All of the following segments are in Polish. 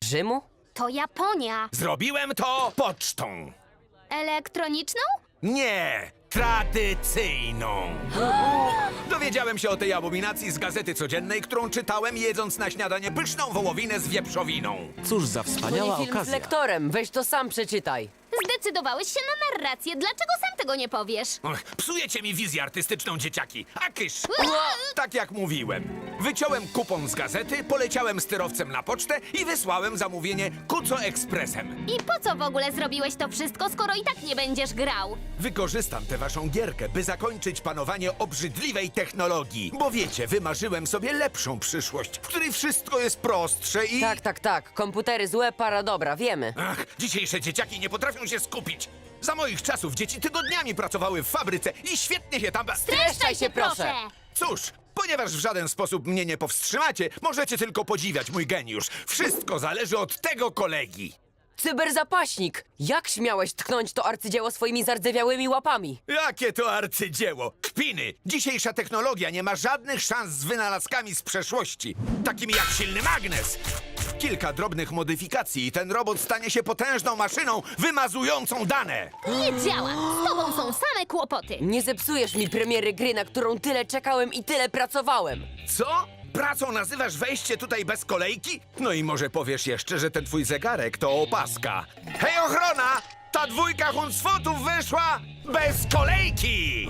Rzymu? To Japonia. Zrobiłem to pocztą. Elektroniczną? Nie, tradycyjną. Dowiedziałem się o tej abominacji z Gazety Codziennej, którą czytałem, jedząc na śniadanie pyszną wołowinę z wieprzowiną. Cóż za To nie wspaniała film z okazja. lektorem, weź to sam przeczytaj. Zdecydowałeś się na narrację. Dlaczego sam tego nie powiesz? Och, psujecie mi wizję artystyczną, dzieciaki. A kysz! Tak jak mówiłem. Wyciąłem kupon z gazety, poleciałem styrowcem na pocztę i wysłałem zamówienie Kuco Ekspresem. I po co w ogóle zrobiłeś to wszystko, skoro i tak nie będziesz grał? Wykorzystam tę waszą gierkę, by zakończyć panowanie obrzydliwej technologii. Bo wiecie, wymarzyłem sobie lepszą przyszłość, w której wszystko jest prostsze i... Tak. Komputery złe, para dobra, wiemy. Ach, dzisiejsze dzieciaki nie potrafią się skupić. Za moich czasów dzieci tygodniami pracowały w fabryce i świetnie się tam... Streszczaj się, proszę. Cóż, ponieważ w żaden sposób mnie nie powstrzymacie, możecie tylko podziwiać mój geniusz. Wszystko zależy od tego kolegi. Cyberzapaśnik! Jak śmiałeś tknąć to arcydzieło swoimi zardzewiałymi łapami? Jakie to arcydzieło! Kpiny! Dzisiejsza technologia nie ma żadnych szans z wynalazkami z przeszłości, takimi jak silny magnes. Kilka drobnych modyfikacji i ten robot stanie się potężną maszyną wymazującą dane. Nie działa. Z tobą są same kłopoty. Nie zepsujesz mi premiery gry, na którą tyle czekałem i tyle pracowałem. Co? Pracą nazywasz wejście tutaj bez kolejki? No i może powiesz jeszcze, że ten twój zegarek to opaska. Hej, ochrona! Ta dwójka huncwotów wyszła bez kolejki!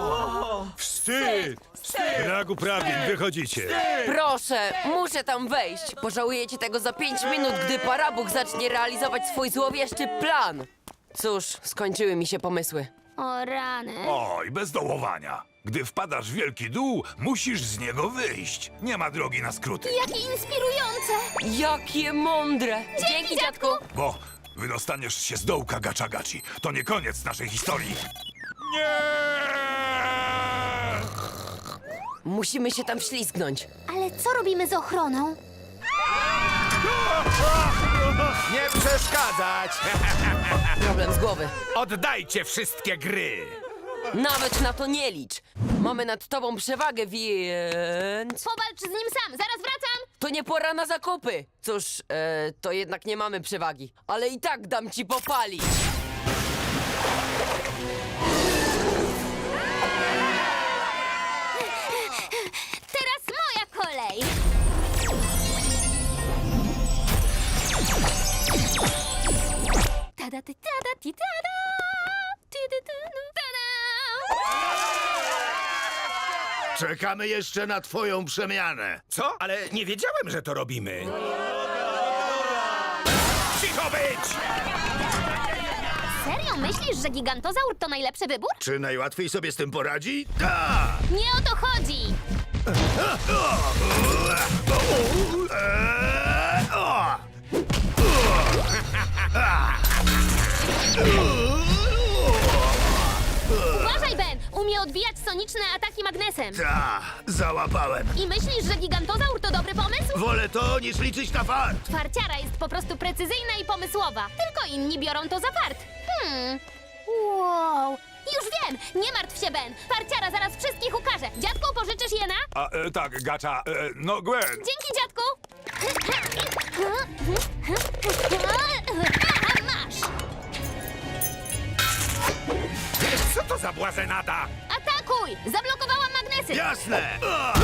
Wstyd! Brak uprawnień, wychodzicie. Proszę, muszę tam wejść. Pożałujecie tego za 5 minut, gdy Parabuch zacznie realizować swój złowieszczy plan. Cóż, skończyły mi się pomysły. O rany. Oj, bez dołowania. Gdy wpadasz w wielki dół, musisz z niego wyjść. Nie ma drogi na skróty. Jakie inspirujące. Jakie mądre! Dzięki, dziadku! Bo wydostaniesz się z dołka Gacha-Gachi. To nie koniec naszej historii. Nie! Musimy się tam wślizgnąć. Ale co robimy z ochroną? Nie przeszkadzać! Problem z głowy. Oddajcie wszystkie gry! Nawet na to nie licz. Mamy nad tobą przewagę, więc... Powalcz z nim sam. Zaraz wracam. To nie pora na zakupy. Cóż, to jednak nie mamy przewagi. Ale i tak dam ci popalić. Teraz moja kolej. Tada, ty, tada, ti, tada. Ty, ty, ty, no, tada. Czekamy jeszcze na twoją przemianę. Co? Ale nie wiedziałem, że to robimy. Cicho być! Serio myślisz, że gigantozaur to najlepszy wybór? Czy najłatwiej sobie z tym poradzi? Tak! Nie o to chodzi. Uważaj, Ben! Umie odbijać soniczne ataki magnesem. Ta, załapałem. I myślisz, że gigantozaur to dobry pomysł? Wolę to, niż liczyć na fart. Farciara jest po prostu precyzyjna i pomysłowa. Tylko inni biorą to za fart. Wow. Już wiem! Nie martw się, Ben! Farciara zaraz wszystkich ukaże. Dziadku, pożyczysz jena? Tak, Gacha, no Gwen. Dzięki, dziadku! A masz! Wiesz, co to za błazenada? Atakuj! Zablokowałam magnesy! Jasne!